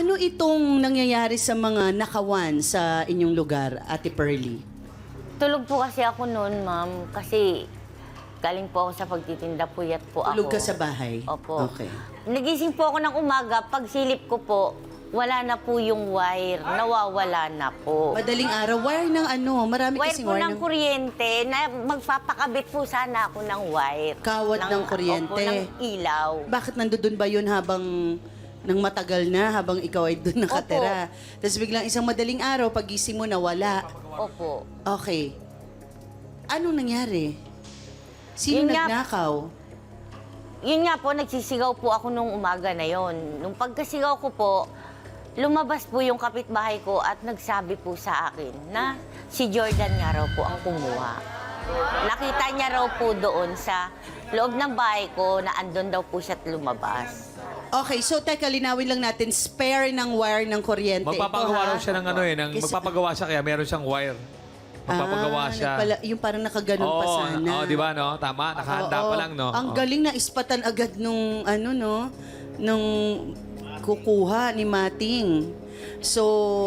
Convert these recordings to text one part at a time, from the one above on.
Ano itong nangyayari sa mga nakawan sa inyong lugar, Ate Pearly? Tulog po kasi ako noon, ma'am. Kasi galing po ako sa pagtitinda, puyat po ako. Tulog ka sa bahay? Opo. Okay. Nagising po ako ng umaga. Pagsilip ko po, wala na po yung wire. Nawawala na po. Madaling araw, wire ng ano? Marami Wire kasing po wire ng kuryente na magpapakabit po sana ako ng wire. Kawad ng kuryente. Opo, ng ilaw. Bakit nandun ba yun habang nang matagal na, habang ikaw ay doon nakatira? Tapos biglang isang madaling araw, pagising mo nawala. Opo. Okay. Anong nangyari? Sino Yun nga- nagnakaw? Yun nga po, nagsisigaw po ako nung umaga na yon. Nung pagkasigaw ko po, lumabas po yung kapitbahay ko at nagsabi po sa akin na si Jordan nga raw po ang kumuha. Nakita niya raw po doon sa loob ng bahay ko na andun daw po siya at lumabas. Okay, so teka, linawin lang natin, spare ng wire ng kuryente. Magpapagawa raw siya ng ano eh, Kasi- magpapagawa siya kaya meron siyang wire. Magpapagawa siya. Yung parang nakaganon pa Oo, sana. oo, di ba, no? Tama, nakahanda Oo, pa lang, no? Ang Oo. galing na ispatan agad nung, ano, no? Nung kukuha ni Mating. So,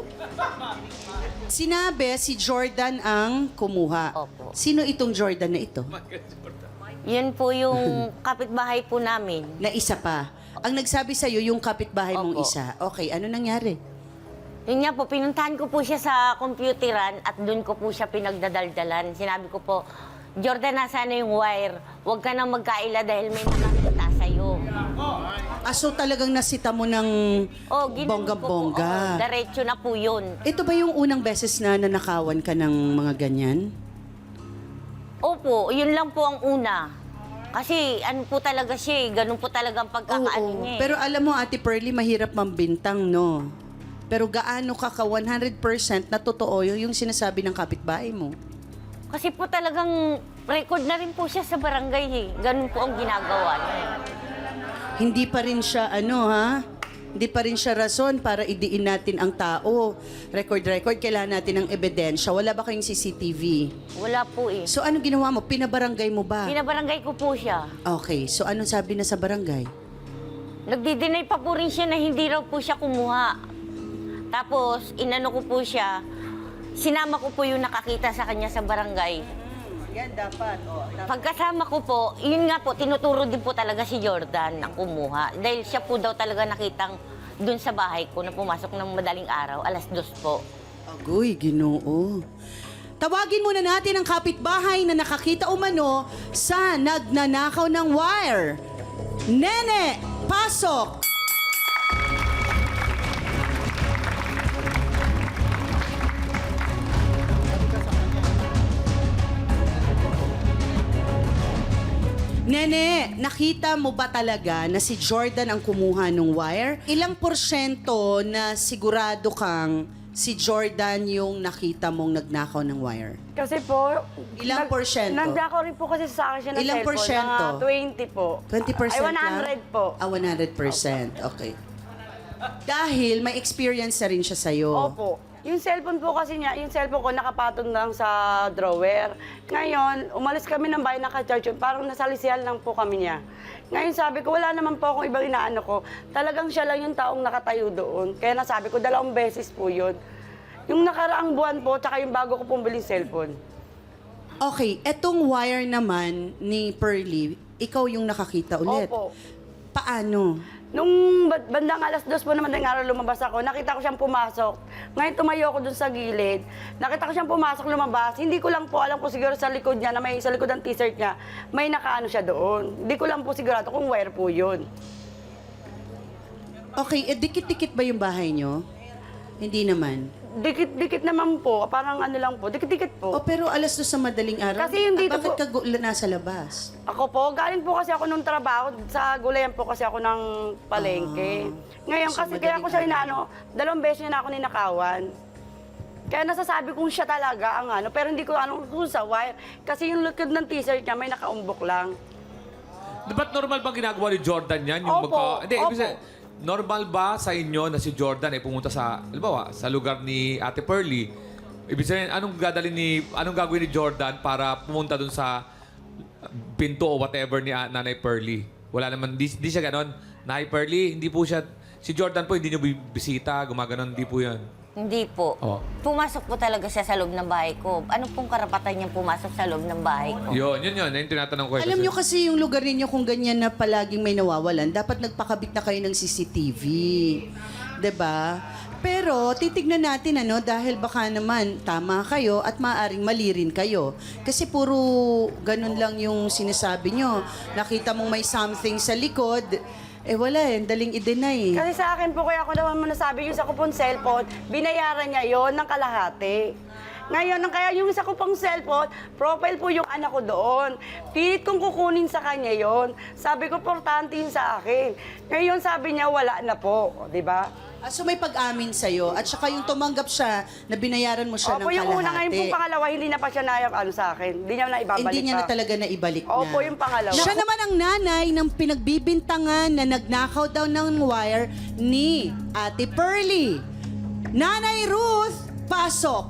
sinabi si Jordan ang kumuha. Opo. Sino itong Jordan na ito? Yun po yung kapitbahay po namin. Na isa pa. Ang nagsabi sa'yo, yung kapitbahay mong Opo. isa. Okay, ano nangyari? Yun nga po, pinuntahan ko po siya sa computeran at doon ko po siya pinagdadaldalan. Sinabi ko po, Jordan, nasaan na yung wire? Huwag ka nang magkaila dahil may makakita sa'yo. So talagang nasita mo ng Oh, ginanon ko po. bongga-bongga. Diretso na po yun. Ito ba yung unang beses na nanakawan ka ng mga ganyan? Opo, yun lang po ang una. Kasi ano po talaga siya eh, ganun po talaga ang pagkakaano Oo. niya eh. Pero alam mo, Ate Pearly, mahirap mambintang, no? Pero gaano ka 100% na totoo yung sinasabi ng kapitbahay mo? Kasi po talagang record na rin po siya sa barangay eh. Ganun po ang ginagawa niya. Hindi pa rin siya, Hindi pa rin siya rason para idiin natin ang tao. Record, kailangan natin ng ebidensya. Wala ba kayong CCTV? Wala po eh. So, anong ginawa mo? Pinabarangay mo ba? Pinabarangay ko po siya. Okay, so anong sabi na sa barangay? Nagdi-deny pa po rin siya na hindi raw po siya kumuha. Tapos, inano ko po siya, sinama ko po yung nakakita sa kanya sa barangay. Yan, dapat. Pagkasama ko po, yun nga po, tinuturo din po talaga si Jordan na kumuha. Dahil siya po daw talaga nakitang dun sa bahay ko na pumasok ng madaling araw, 2:00 po. Agoy, Ginoo. Tawagin muna natin ang kapitbahay na nakakita umano sa nagnanakaw ng wire. Nene, pasok! Nene, nakita mo ba talaga na si Jordan ang kumuha ng wire? Ilang porsyento na sigurado kang si Jordan yung nakita mong nagnakaw ng wire? Kasi po... Ilang porsyento? Nagdako rin po kasi sa akin siya ng Ilang cellphone. porsyento? Mga 20 po. 20% Ay, lang? 100 po. 100%. Okay. Dahil may experience na rin siya sa'yo. Opo. Yung cellphone po kasi niya, yung cellphone ko nakapatong lang sa drawer. Ngayon, umalis kami ng bahay, naka-charge yun. Parang nasalisihan lang po kami niya. Ngayon sabi ko, wala naman po akong ibang inaano ko. Talagang siya lang yung taong nakatayo doon. Kaya nasabi ko, 2 beses po yun. Yung nakaraang buwan po, tsaka yung bago ko pong biling cellphone. Okay, etong wire naman ni Pearly, ikaw yung nakakita ulit. Opo. Paano? Nung bandang 2:00 po naman ng araw lumabas ako, nakita ko siyang pumasok. Ngayon tumayo ako dun sa gilid. Nakita ko siyang pumasok, lumabas. Hindi ko lang po alam kung siguro sa likod niya, na may sa likod ng t-shirt niya, may nakaano siya doon. Hindi ko lang po sigurado kung wire po yun. Okay, dikit-dikit ba yung bahay nyo? Hindi naman. Dikit-dikit naman po, parang ano lang po, dikit-dikit po. Oh, pero 2:00 sa madaling araw. Kasi yung dito bakit po- ka nasa labas? Ako po, galing po kasi ako nung trabaho, sa gulayan po kasi ako ng palengke. Ngayon So, kasi kaya ko siya inaano, 2 beses niya na ako ninakawan. Kaya nasasabi kong siya talaga ang ano, pero hindi ko ano kung sa wire. Kasi yung likod ng t-shirt niya may nakaumbok lang. Ba't normal bang ginagawa ni Jordan yan? Opo, Hindi, ibig opo. sabihin, normal ba sa inyo na si Jordan ay pumunta sa, halimbawa, sa lugar ni Ate Pearly? Ibig sabihin, anong gagawin ni Jordan para pumunta dun sa pinto o whatever ni Nanay Pearly? Wala naman, di siya ganon. Nanay Pearly, hindi po siya Si Jordan po, hindi nyo bisita, gumaganon, hindi po yan. Hindi po. Oh. Pumasok po talaga siya sa loob ng bahay ko. Ano pong karapatan niyang pumasok sa loob ng bahay ko? Yun. Yung tinatanong ko. Alam nyo kasi yung lugar ninyo kung ganyan na palaging may nawawalan, dapat nagpakabit na kayo ng CCTV. 'Di ba? Pero titignan natin dahil baka naman tama kayo at maaring mali rin kayo. Kasi puro ganun lang yung sinasabi nyo. Nakita mong may something sa likod, wala daling i-deny. Kasi sa akin po, kaya ako naman nasabi yung sa ko pong cellphone, binayaran niya yon ng kalahati. Ngayon, kaya yung isa ko pong cellphone, profile po yung anak ko doon. Pilit kong kukunin sa kanya yon. Sabi ko, importante yun sa akin. Ngayon, sabi niya, wala na po. Di ba? So may pag-amin sa'yo at saka yung tumanggap siya na binayaran mo siya ng Opo, kalahati. yung una ngayon po pangalawa, hindi na pa siya sa akin. Hindi niya na ibabalik Hindi niya na pa. talaga naibalik na. Opo, yung pangalawa. Siya naman ang nanay ng pinagbibintangan na nagnakaw daw ng wire ni Ate Pearly. Nanay Ruth, pasok!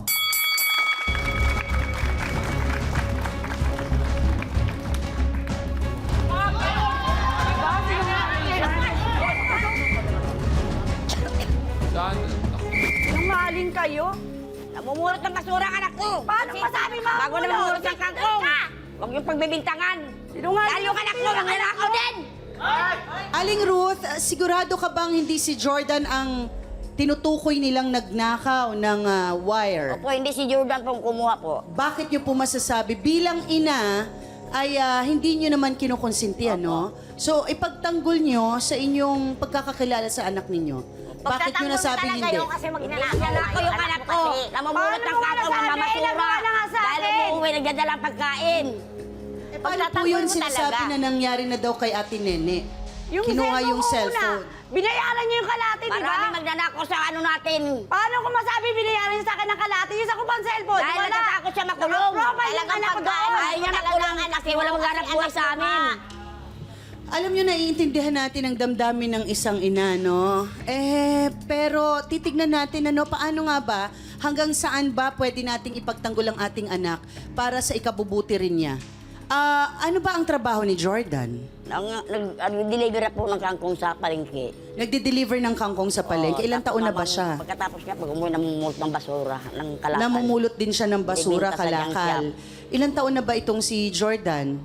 Saan? Sinungaling kayo? Namumulot ng basura ang anak ko. Paano masabi mamulot? Bago namumulot ng kangkong. Huwag yung pagbibintangan. Sinungaling. Dahil yung anak mo, nangyayakaw din. Aling Ruth, sigurado ka bang hindi si Jordan ang tinutukoy nilang nagnakaw ng wire? Opo, hindi si Jordan pong kumuha po. Bakit niyo po masasabi bilang ina ay hindi niyo naman kinukonsinti, no? So, ipagtanggol niyo sa inyong pagkakakilala sa anak ninyo. Bakit niyo nasabing hindi? Kasi magnanakaw yung anak ko. Namumulot ng kangkong, namamasura. Wala nga sa Dahil akin. umuwi, nagdadala ang pagkain. Paano po yun sinasabi na nangyari na daw kay Ate Nene? Yung Kinuha yung ko cellphone. una, binayaran niyo yung kalahati, di ba? Marami magnanakaw sa ano natin. Paano ko masabi binayaran niyo sa akin ng kalahati? Yung sa ko pang cellphone, Dahil wala. natatakot siya makulong. Naka-profile yung anak ko doon. Ayaw niya makulong kasi walang maghanap buhay sa amin. Alam nyo, naiintindihan natin ang damdamin ng isang ina, no? Pero titignan natin, paano nga ba, hanggang saan ba pwede nating ipagtanggol ang ating anak para sa ikabubuti rin niya? Ano ba ang trabaho ni Jordan? Nag-deliver po ng kangkong sa palengke. Nagde-deliver ng kangkong sa palengke. Ilang taon na ba siya? Pagkatapos niya, pag umuwi, namumulot ng basura, ng kalakal. Namumulot din siya ng basura, Ibinta sa junk kalakal. Ilang taon na ba itong si Jordan?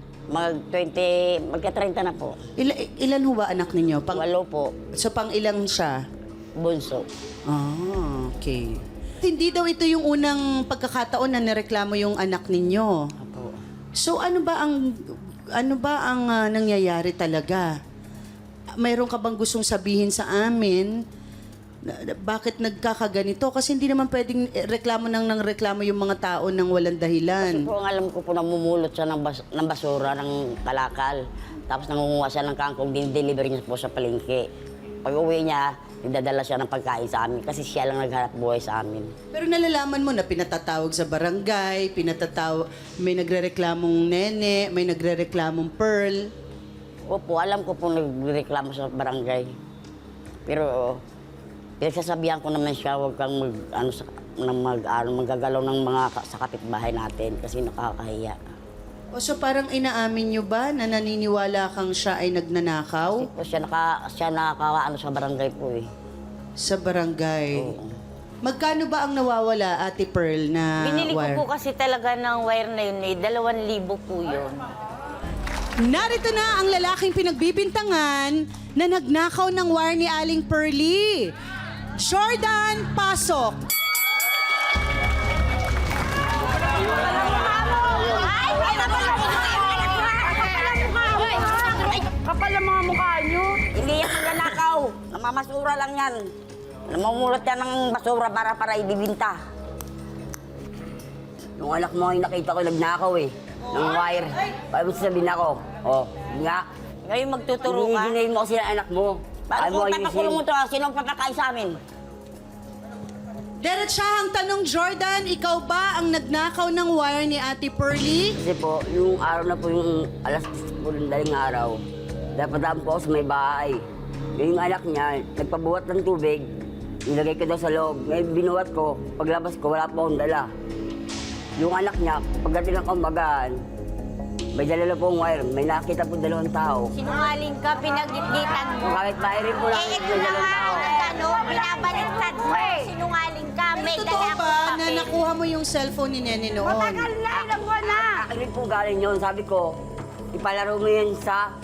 Magka-30 na po. Ilan ho ba anak ninyo? Walo po, So, pang ilang siya? bunso. Okay. Hindi daw ito yung unang pagkakataon na nareklamo yung anak ninyo. Apo. So ano ba ang nangyayari talaga? Mayroon ka bang gustong sabihin sa amin? Bakit nagkakaganito? Kasi hindi naman pwedeng reklamo ng reklamo yung mga tao nang walang dahilan. Po, ang alam ko po, namumulot siya ng basura, ng kalakal. Tapos nangunguha siya ng kangkong, din-deliver niya po sa palengke. Pag uwi niya, nagdadala siya ng pagkain sa amin kasi siya lang naghanap buhay sa amin. Pero nalalaman mo na pinatatawag sa barangay, may nagrereklamong Nene, may nagrereklamong Pearl. Opo, alam ko po nagreklamo sa barangay. Pero pinagsasabihan ko naman siya, huwag kang maggagalaw ng mga sa kapitbahay natin kasi nakakahiya. O so parang inaamin nyo ba na naniniwala kang siya ay nagnanakaw Po, siya nakakaano sa barangay po eh. sa barangay? Oo. Magkano ba ang nawawala, Ate Pearl, na Binili ko wire? po kasi talaga ng wire na yun 2,000 po yun. Narito na ang lalaking pinagbibintangan na nagnakaw ng wire ni Aling Pearly. Jordan, pasok! Kapal ang mga mukha niyo. Hindi yan magnanakaw. Namamasura lang yan. Namumulot yan ng basura para ibibinta. Nung anak mo ay nakita ko nagnakaw eh. Ng wire. Paano sabihin ako? Oh, nga. Ngayon magtuturo ka. Hihingin mo kasi ang anak mo. Paano kung papakulong mo to? Sino ang papakain sa amin? Diretsahang tanong, Jordan, ikaw ba ang nagnakaw ng wire ni Ate Pearly? Kasi po, yung araw na po yung alas 10 po ng daling araw, dapat po ako sa may bahay. Yung anak niya, nagpabuhat ng tubig, nilagay ko daw sa loob. Ngayon binuhat ko, paglabas ko, wala po akong dala. Yung anak niya, pagdating ng kumbagaan, may dala na pong wire, may nakita po 2 tao. Sinungaling ka, pinagitgitan mo. Kahit bahay rin po lang, may ito na dalawang nga tao. ang ano, binabaliktad mo. Sinungaling ka. May Totoo dala ba akong na papel. nakuha mo yung cellphone ni Nene noon? Matagal na, ilang buwan na. Akin rin po galing yun. Sabi ko, ipalaro mo yan sa...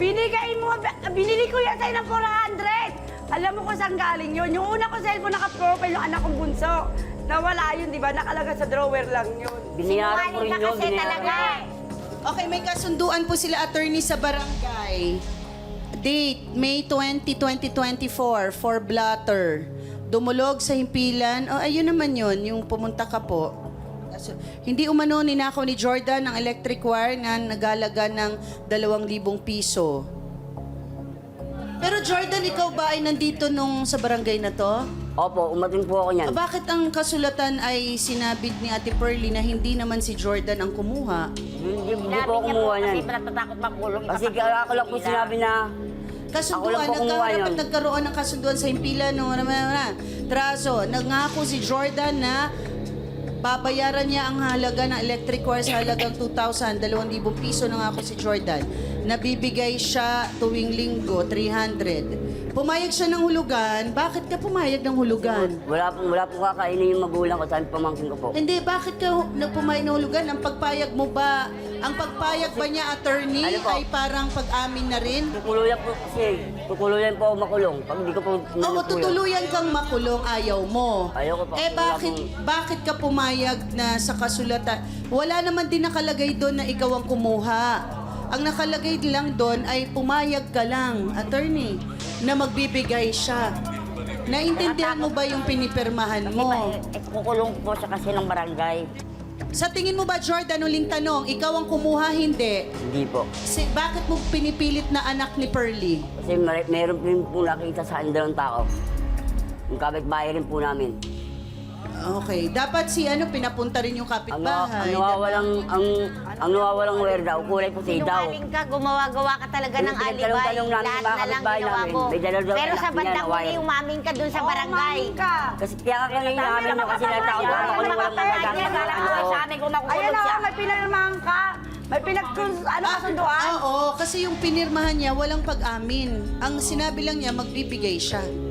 Binili ko yan sa'yo ng 400. Alam mo kung saan galing yun. Yung una kong cellphone naka-profile, yung anak kong bunso. Nawala yun, di ba? Nakalaga sa drawer lang yun. Binayaran ko Sinungaling rin ka yun. kasi talaga. Okay, may kasunduan po sila attorney sa barangay. Date, May 20, 2024, for blatter. Dumulog sa himpilan. Oh, ayun naman yun, yung pumunta ka po. Hindi umano ninakaw ni Jordan ang electric wire na nagalaga ng 2,000 piso. Pero Jordan, ikaw ba ay nandito nung sa barangay na to? Opo, umating po ako niyan. Bakit ang kasulatan ay sinabi ni Ate Pearly na hindi naman si Jordan ang kumuha? Hindi po Sinabi ako niya po kumuha kasi niyan. natatakot makulong. Kasi ako lang po sinabi na... Kasunduan, Ako lang po kumuha nagkaharap yun. at nagkaroon ng kasunduan sa himpilan no, Traso, nangako si Jordan na babayaran niya ang halaga ng electric wire sa halagang 2,000 piso na ako si Jordan. Nabibigay siya tuwing linggo, 300. Pumayag siya ng hulugan. Bakit ka pumayag ng hulugan? Wala po kakainin yung magulang ko, sabi pamangkin ko po. Hindi, bakit ka pumayag ng hulugan? Ang pagpayag mo ba, ang pagpayag ba niya, attorney, Ano po? ay parang pag-amin na rin? Tutuluyan po kasi, tutuluyan po ako makulong. Pag hindi ko po Oo, po yun. tutuluyan kang makulong, ayaw mo. Ayoko po. Eh Wala bakit ka pumayag na sa kasulatan? Wala naman din nakalagay doon na ikaw ang kumuha. Ang nakalagay lang doon ay pumayag ka lang, attorney, na magbibigay siya. Naintindihan mo ba yung pinipirmahan mo? Kukulong po siya kasi ng barangay. Sa tingin mo ba, Jordan, uling tanong, ikaw ang kumuha, hindi? Hindi po. Bakit mo pinipilit na anak ni Pearly? Kasi meron din po nakita sa andang tao. Yung kapitbahay rin po namin. Okay, dapat pinapunta rin yung kapitbahay. Ang nawawalang wire daw, kulay puti daw. Sinungaling ka, gumawa-gawa ka talaga ng Yung alibay. pinagtalong-talong namin Lahat sa mga na lang kapitbahay ginawa namin. mo. May dalaw-dalaw Pero anak sa niya bandang na wire. huli, umamin ka dun sa barangay. Umamin ka. Kasi kaya ka kami namin no, kasi natakot ako makulong walang magagamit ng ano ko. Ayan o, may pinirmahan ka. May kasunduan. Oo, kasi yung pinirmahan niya walang pag-amin. Ang sinabi lang niya, magbibigay siya.